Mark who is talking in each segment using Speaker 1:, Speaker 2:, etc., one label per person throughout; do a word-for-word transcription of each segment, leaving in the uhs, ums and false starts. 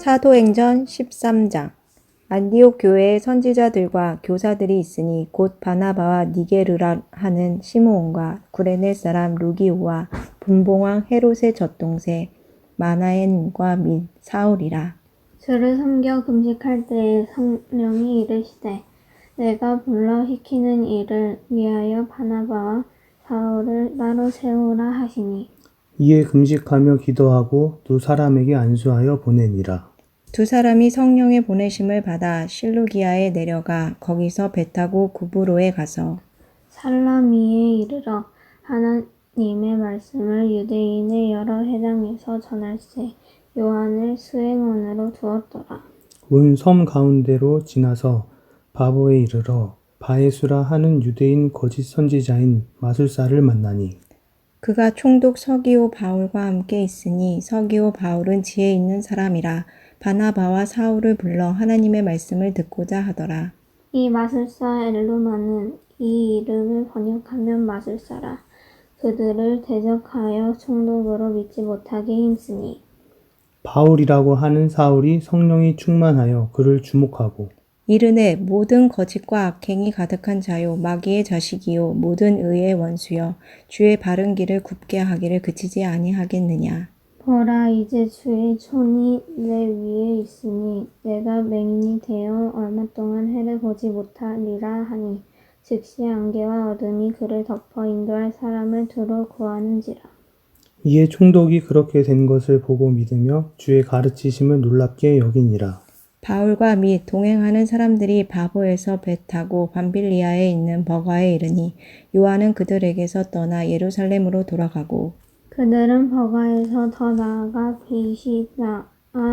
Speaker 1: 사도행전 십삼 장. 안디옥 교회에 선지자들과 교사들이 있으니 곧 바나바와 니게르라 하는 시므온과 구레네 사람 루기오와 분봉왕 헤롯의 젖동생 마나엔과 및 사울이라.
Speaker 2: 주를 섬겨 금식할 때에 성령이 이르시되 내가 불러 시키는 일을 위하여 바나바와 사울을 따로 세우라 하시니
Speaker 3: 이에 금식하며 기도하고 두 사람에게 안수하여 보내니라.
Speaker 1: 두 사람이 성령의 보내심을 받아 실루기아에 내려가 거기서 배 타고 구브로에 가서
Speaker 2: 살라미에 이르러 하나님의 말씀을 유대인의 여러 회당에서 전할세 요한을 수행원으로 두었더라.
Speaker 3: 온 섬 가운데로 지나서 바보에 이르러 바에수라 하는 유대인 거짓 선지자인 마술사를 만나니
Speaker 1: 그가 총독 서기오 바울과 함께 있으니 서기오 바울은 지혜 있는 사람이라 바나바와 사울을 불러 하나님의 말씀을 듣고자 하더라.
Speaker 2: 이 마술사 엘루마는 이 이름을 번역하면 마술사라. 그들을 대적하여 총독으로 믿지 못하게 힘쓰니
Speaker 3: 바울이라고 하는 사울이 성령이 충만하여 그를 주목하고
Speaker 1: 이르되 모든 거짓과 악행이 가득한 자요 마귀의 자식이요 모든 의의 원수여 주의 바른 길을 굽게 하기를 그치지 아니하겠느냐.
Speaker 2: 보라 이제 주의 손이 내 위에 있으니 내가 맹인이 되어 얼마 동안 해를 보지 못하리라 하니 즉시 안개와 어둠이 그를 덮어 인도할 사람을 두루 구하는지라.
Speaker 3: 이에 총독이 그렇게 된 것을 보고 믿으며 주의 가르치심을 놀랍게 여기니라.
Speaker 1: 바울과 및 동행하는 사람들이 바보에서 배 타고 밤빌리아에 있는 버가에 이르니 요한은 그들에게서 떠나 예루살렘으로 돌아가고
Speaker 2: 그들은 버가에서 더 나아가 비시다아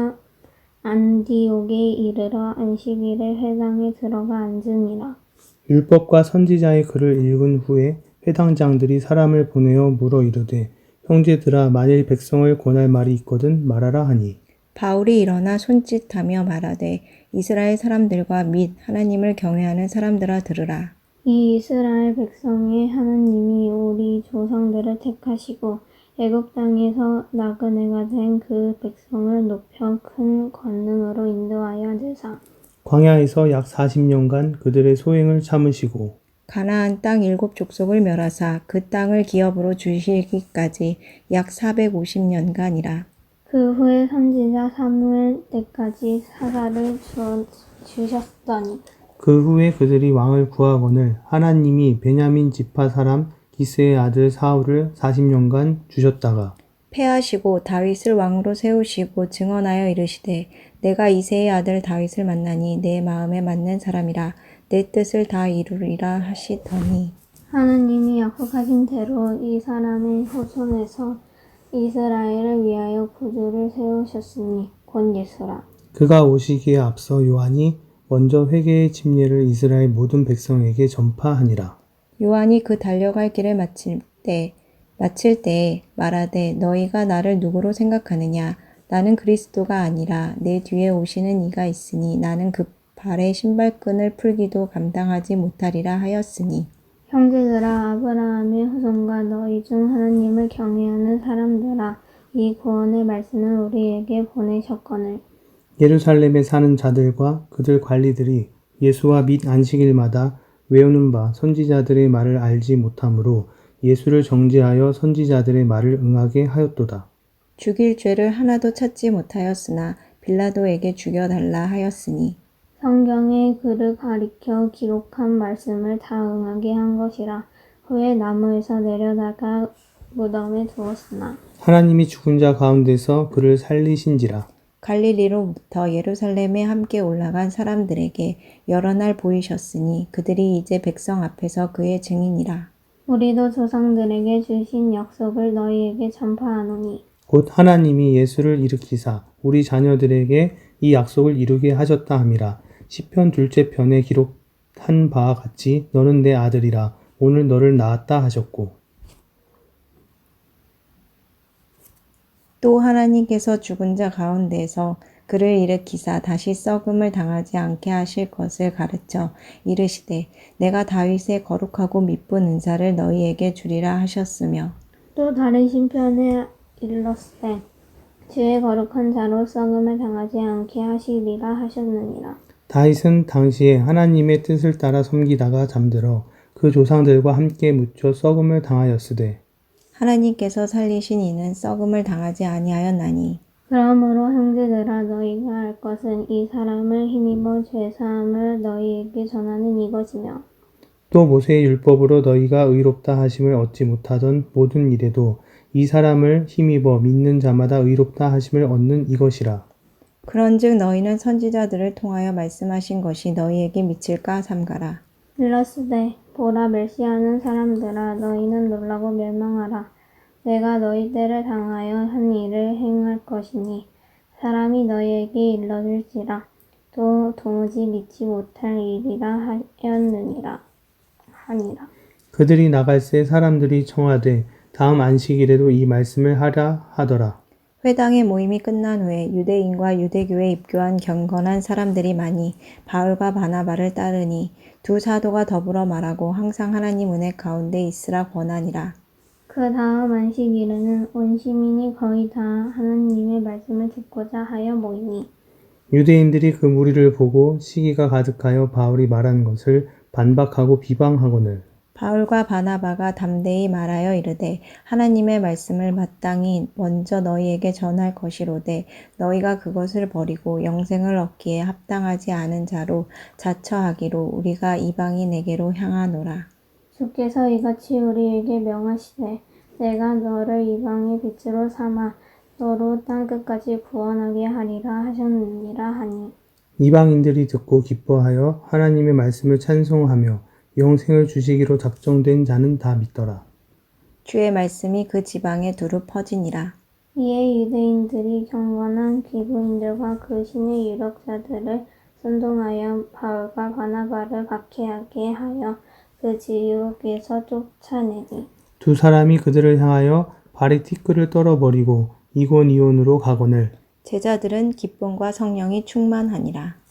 Speaker 2: 안디옥에 이르러 안식일에 회당에 들어가 앉으니라.
Speaker 3: 율법과 선지자의 글을 읽은 후에 회당장들이 사람을 보내어 물어 이르되 형제들아 만일 백성을 권할 말이 있거든 말하라 하니
Speaker 1: 바울이 일어나 손짓하며 말하되 이스라엘 사람들과 및 하나님을 경외하는 사람들아 들으라.
Speaker 2: 이 이스라엘 백성의 하나님이 우리 조상들을 택하시고 애굽 땅에서 나그네가 된 그 백성을 높여 큰 권능으로 인도하여 내사
Speaker 3: 광야에서 약 사십 년간 그들의 소행을 참으시고
Speaker 1: 가나안 땅 일곱 족속을 멸하사 그 땅을 기업으로 주시기까지 약 사백오십 년간이라.
Speaker 2: 그 후에 선지자 사무엘 때까지 사사를 주, 주셨더니
Speaker 3: 그 후에 그들이 왕을 구하거늘 하나님이 베냐민 지파 사람 기스의 아들 사울을 사십 년간 주셨다가
Speaker 1: 패하시고 다윗을 왕으로 세우시고 증언하여 이르시되 내가 이새의 아들 다윗을 만나니 내 마음에 맞는 사람이라 내 뜻을 다 이루리라 하시더니
Speaker 2: 하나님이 약속하신 대로 이 사람의 후손에서 이스라엘을 위하여 구주를 세우셨으니 곧 예수라.
Speaker 3: 그가 오시기에 앞서 요한이 먼저 회개의 침례를 이스라엘 모든 백성에게 전파하니라.
Speaker 1: 요한이 그 달려갈 길을 마칠 때 마칠 때에 말하되 너희가 나를 누구로 생각하느냐 나는 그리스도가 아니라 내 뒤에 오시는 이가 있으니 나는 그 발의 신발끈을 풀기도 감당하지 못하리라 하였으니
Speaker 2: 형제들아 아브라함의 후손과 너희 중 하나님을 경외하는 사람들아 이 구원의 말씀을 우리에게 보내셨거늘
Speaker 3: 예루살렘에 사는 자들과 그들 관리들이 예수와 및 안식일마다 외우는 바 선지자들의 말을 알지 못하므로 예수를 정죄하여 선지자들의 말을 응하게 하였도다.
Speaker 1: 죽일 죄를 하나도 찾지 못하였으나 빌라도에게 죽여달라 하였으니
Speaker 2: 성경에 그를 가리켜 기록한 말씀을 다 응하게 한 것이라. 후에 나무에서 내려다가 무덤에 두었으나
Speaker 3: 하나님이 죽은 자 가운데서 그를 살리신지라.
Speaker 1: 갈릴리로부터 예루살렘에 함께 올라간 사람들에게 여러 날 보이셨으니 그들이 이제 백성 앞에서 그의 증인이라.
Speaker 2: 우리도 조상들에게 주신 약속을 너희에게 전파하노니
Speaker 3: 곧 하나님이 예수를 일으키사 우리 자녀들에게 이 약속을 이루게 하셨다 함이라. 시편 둘째 편에 기록한 바와 같이 너는 내 아들이라 오늘 너를 낳았다 하셨고
Speaker 1: 또 하나님께서 죽은 자 가운데서 그를 일으키사 다시 썩음을 당하지 않게 하실 것을 가르쳐 이르시되 내가 다윗의 거룩하고 미쁜 은사를 너희에게 주리라 하셨으며
Speaker 2: 또 다른 신편에 일렀으되 주의 거룩한 자로 썩음을 당하지 않게 하시리라 하셨느니라.
Speaker 3: 다윗은 당시에 하나님의 뜻을 따라 섬기다가 잠들어 그 조상들과 함께 묻혀 썩음을 당하였으되
Speaker 1: 하나님께서 살리신 이는 썩음을 당하지 아니하였나니
Speaker 2: 그러므로 형제들아 너희가 알 것은 이 사람을 힘입어 죄사함을 너희에게 전하는 이것이며
Speaker 3: 또 모세의 율법으로 너희가 의롭다 하심을 얻지 못하던 모든 일에도 이 사람을 힘입어 믿는 자마다 의롭다 하심을 얻는 이것이라.
Speaker 1: 그런즉 너희는 선지자들을 통하여 말씀하신 것이 너희에게 미칠까 삼가라.
Speaker 2: 일러스되 보라 멸시하는 사람들아 너희는 놀라고 멸망하라. 내가 너희 때를 당하여 한 일을 행할 것이니 사람이 너희에게 일러줄지라. 또 도무지 믿지 못할 일이라 하였느니라 하니라.
Speaker 3: 그들이 나갈새 사람들이 청하되 다음 안식일에도 이 말씀을 하라 하더라.
Speaker 1: 회당의 모임이 끝난 후에 유대인과 유대교에 입교한 경건한 사람들이 많이 바울과 바나바를 따르니 두 사도가 더불어 말하고 항상 하나님 은혜 가운데 있으라 권하니라.
Speaker 2: 그 다음 안식일에는 온 시민이 거의 다 하나님의 말씀을 듣고자 하여 모이니
Speaker 3: 유대인들이 그 무리를 보고 시기가 가득하여 바울이 말한 것을 반박하고 비방하거늘
Speaker 1: 바울과 바나바가 담대히 말하여 이르되 하나님의 말씀을 마땅히 먼저 너희에게 전할 것이로되 너희가 그것을 버리고 영생을 얻기에 합당하지 않은 자로 자처하기로 우리가 이방인에게로 향하노라.
Speaker 2: 주께서 이같이 우리에게 명하시되 내가 너를 이방의 빛으로 삼아 너로 땅끝까지 구원하게 하리라 하셨느니라 하니
Speaker 3: 이방인들이 듣고 기뻐하여 하나님의 말씀을 찬송하며 영생을 주시기로 작정된 자는 다 믿더라.
Speaker 1: 주의 말씀이 그 지방에 두루 퍼지니라.
Speaker 2: 이에 유대인들이 경건한 기구인들과 그 신의 유력자들을 선동하여 바울과 바나바를 박해하게 하여 그 지역에서 쫓아내니
Speaker 3: 두 사람이 그들을 향하여 발에 티끌을 떨어버리고 이곤이온으로 가거늘
Speaker 1: 제자들은 기쁨과 성령이 충만하니라.